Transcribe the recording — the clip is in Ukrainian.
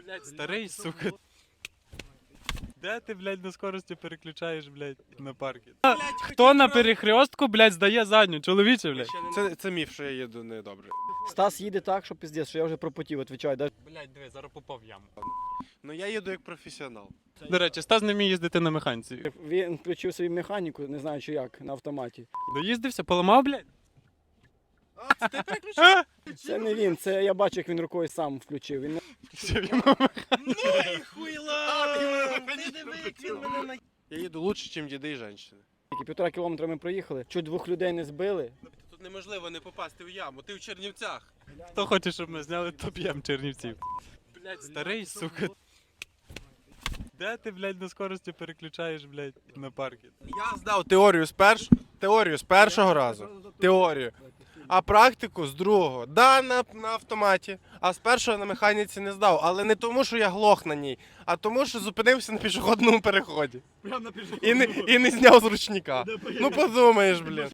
Блядь, старий, сука. Де ти, блядь, на скорості переключаєш, блядь, на парки? Хто на перехрестку, блядь, здає задню, чоловіче, блядь? Це міф, що я їду недобре. Стас їде так, що пиздець, що я вже пропотів, відповідаю. Блядь, диви, зараз попав в яму. Ну я їду як професіонал. До речі, Стас не вміє їздити на механіці. Він включив собі механіку, не знаю чи як, на автоматі. Доїздився, поламав, блядь? Ти переключив? Це не він, це я бачу, як він рукою сам включив. Він Я їду лучше, ніж діди і жінки. тільки 1,5 кілометра ми проїхали, чуть 2 людей не збили. Тут неможливо не попасти в яму, ти в Чернівцях. Хто хоче, щоб ми зняли, то п'єм Чернівців. Блядь, старий, сука. Де ти, блядь, на скорості переключаєш, блядь, на парки? Я здав теорію з першого разу. Теорію. А практику з другого. Да, на автоматі. А з першого на механіці не здав. Але не тому, що я глох на ній, а тому, що зупинився на пішохідному переході. І не зняв з ручника. Ну подумаєш, блін.